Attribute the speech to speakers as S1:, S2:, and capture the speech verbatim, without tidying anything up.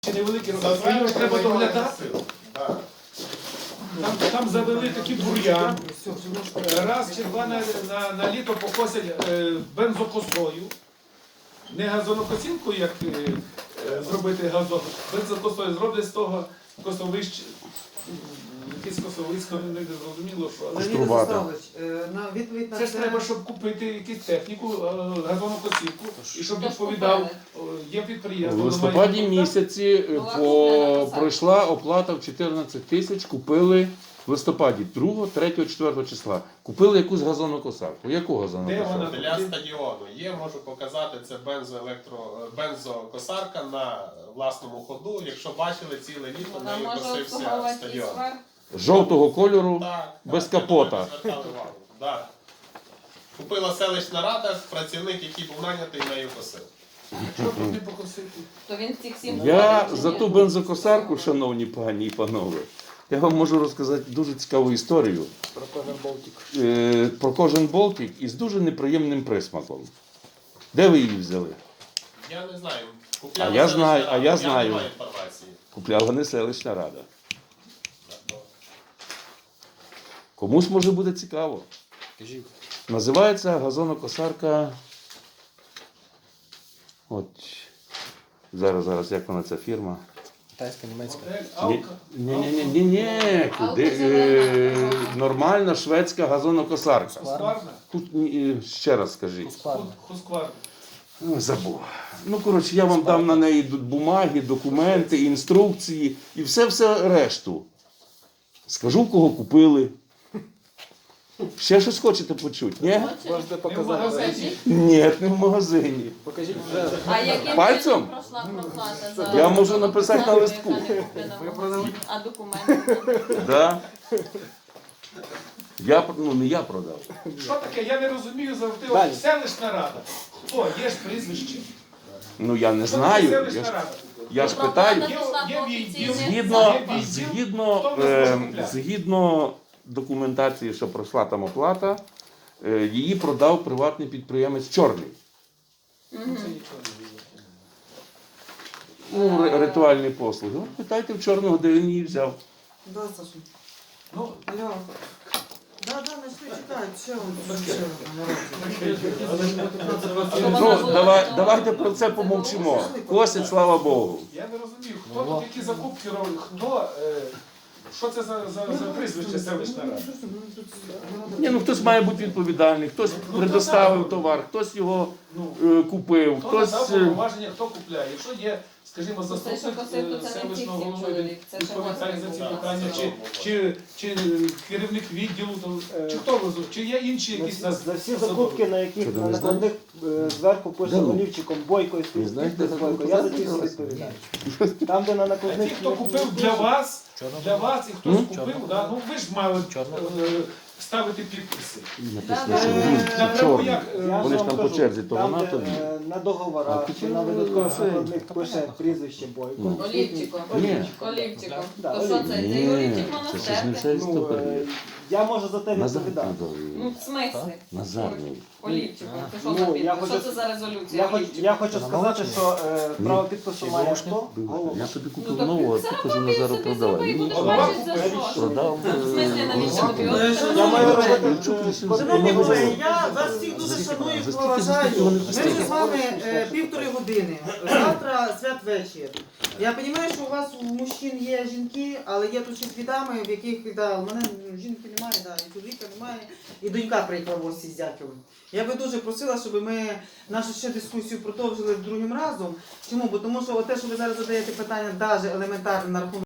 S1: Невеликі розвитки, його треба доглядати. Там, там завели такі бур'ян, раз чи два на, на, на літо покосять е, бензокосою. Не газонокосілку, як е, зробити газон, бензокосою зроблять з того косовищ, якесь косовисько, не зрозуміло, що.
S2: Леонід Владиславович, на відповідь на
S1: Це ж треба, щоб купити якусь техніку, газонокосілку, і щоб відповідав, є підприємство.
S3: У листопаді місяці по, пройшла оплата в чотирнадцять тисяч, купили в листопаді другого, третього, четвертого числа. Купили якусь газонокосарку. Яку газонокосарку?
S4: Для стадіону є, можу показати, це бензоелектро, бензокосарка на власному ходу. Якщо бачили, ціле літо нею косився стадіон.
S3: Жовтого кольору,
S4: Так,
S3: без
S4: так,
S3: капота.
S4: звертали увагу. Так. Купила селищна рада, працівник, який був нанятий, нею косив.
S1: Що тут не покосити?
S5: То він цих сім
S3: Я за ту бензокосарку, шановні пані і панове, я вам можу розказати дуже цікаву історію.
S6: Про кожен болтик.
S3: Е, про кожен болтик із дуже неприємним присмаком. Де ви її взяли?
S4: Я не знаю.
S3: А
S4: Купляла
S3: я
S4: селищна
S3: знаю,
S4: рада,
S3: а я знаю.
S4: не маю інформації.
S3: Купляла не селищна рада. Комусь може буде цікаво.
S6: Кажіть.
S3: Називається газонокосарка. От. Зараз, зараз, як вона ця фірма?
S6: Китайська, німецька.
S1: Алка.
S3: Ні, ні, ні, ні, ні. Куди? Е, нормальна шведська газонокосарка.
S1: Хускварна?
S3: Тут, ні, ще раз скажіть.
S6: Складно.
S1: Хускварна.
S3: Ой, забув. Ну, коротше, я вам дам на неї бумаги, документи, інструкції і все-все решту. Скажу, кого купили. Ще щось хочете почути? Ні?
S6: Можете
S1: Не в
S6: показати.
S1: магазині.
S3: Ні, не в магазині.
S6: Покажіть вже.
S5: А яким
S3: Пальцем?
S5: чином пройшла проплата за
S3: Я можу написати на листку.
S5: яка не куплена в магазині? А документи?
S3: Да? Я, ну, не я продав.
S1: Що таке? Я не розумію завжди.
S6: Далі.
S1: От Селищна рада. Хто? Є ж прізвище.
S3: Ну, я не
S1: Хто
S3: знаю.
S1: таке
S3: Я
S1: Селищна
S3: ж,
S1: рада.
S3: я ж
S5: Проплата
S3: питаю.
S5: пішла
S1: Є-
S5: по
S1: є
S5: офіційних
S1: відділ.
S3: Згідно,
S5: запитах.
S3: згідно,
S1: Хто в нас
S3: е,
S1: може купляти?
S3: згідно документації, що пройшла там оплата, е, її продав приватний підприємець Чорний. Ну, ри- ритуальні послуги. От питайте в Чорного, де він її взяв.
S2: Да, Саша.
S1: Ну,
S2: Алло. Да, да, начни читати. Що ви ще
S3: Ну, давай, давайте про це помовчимо. Косять, слава Богу.
S1: я не розумію, хто тут які закупки робить, хто, е, що це за, за, за прізвище селищна рада?
S3: Ні, ну хтось має бути відповідальний, хтось предоставив товар, хтось його е, купив,
S1: Хто
S3: хтось.
S1: надав
S3: е,
S1: повноваження, хто купляє? Якщо є, скажімо,
S5: Це, що
S1: заступник
S5: косив, то
S1: е,
S5: це не
S1: селищного
S5: тільки
S1: голови,
S5: чоловік, це ще
S1: відповідає за ці
S5: власник.
S1: питання, чи, чи, чи е, керівник відділу, то, чи хто везуть, чи є інші
S7: За
S1: якісь
S7: всі,
S1: нас
S7: за всі
S1: особи?
S7: закупки, на яких
S3: Що, ти
S7: на
S3: не знаєш?
S7: накладних е, зверху пише
S3: Да ну.
S7: олівчиком Бойко і
S3: Ви
S7: стоїть
S3: знаєте,
S7: підпис
S3: за
S7: Бойко,
S3: таку
S7: я за ті всі
S3: посаду?
S7: відповідаю. Там, де на
S1: А
S7: накладних...
S1: ті, хто купив для вас, для вас і хтось
S3: М?
S1: купив, да, ну ви ж мали
S6: Чорно.
S1: е, ставити підписи.
S3: Написано, що
S2: Е,
S3: він
S1: Напряму
S3: чорний.
S1: як, е,
S7: Я ж
S3: Вони ж
S7: вам
S3: там по
S7: кажу,
S3: черзі, то
S7: там,
S3: вона,
S7: де,
S3: то він.
S7: е, на договорах
S3: А
S7: чи на
S3: ти
S7: видаткових
S3: чого?
S7: накладних пише прізвище Бойко.
S3: Ну.
S5: Олівчиком.
S3: Ні.
S5: Олівчиком.
S7: Да,
S5: То що це? Це
S3: Ні,
S5: Олівчик
S3: це ж не
S5: монастир?
S3: вся
S7: Ну,
S3: історія.
S7: е, я можу за те
S3: Назар
S7: відповідати.
S5: Ну, в смислі?
S3: Назарний.
S5: Олівчиком. Це що
S7: Ну,
S5: за
S7: я
S5: підпис?
S7: хочу-
S5: Що це за резолюція?
S7: Я, хоч,
S5: Олівчиком?
S7: я хочу сказати, що е, право підпису має
S6: Ворушник?
S7: хто? Голова.
S3: Я собі
S5: Ну,
S3: купив
S5: так
S3: нову, а
S5: це
S3: ти кажу,
S5: робив
S3: Назару
S5: собі,
S3: продавай.
S5: зробив,
S3: Він
S5: будеш
S3: продав.
S5: бачити за що.
S3: Продав.
S5: В смислі, навіщо тобі? От
S2: Е,
S5: це
S7: Я маю
S5: добре.
S7: робити
S3: Чук
S7: е,
S3: вісім
S7: по-
S2: Шановні
S3: за
S2: колеги,
S3: скільки?
S2: я вас всіх дуже шаную і
S3: За скільки,
S2: поважаю.
S3: за скільки вони
S2: Ми
S3: коштують?
S2: вже з вами е, півтори години. Завтра святвечір. Я розумію, що у вас у мужчин є жінки, але є тут ще дві дами, в яких да, у мене жінки немає, да, і чоловіка немає, і донька приїхала в гості з дякую. Я би дуже просила, щоб ми нашу ще дискусію продовжили другим разом. Чому? Бо тому що те, що ви зараз задаєте питання, навіть елементарне на рахунок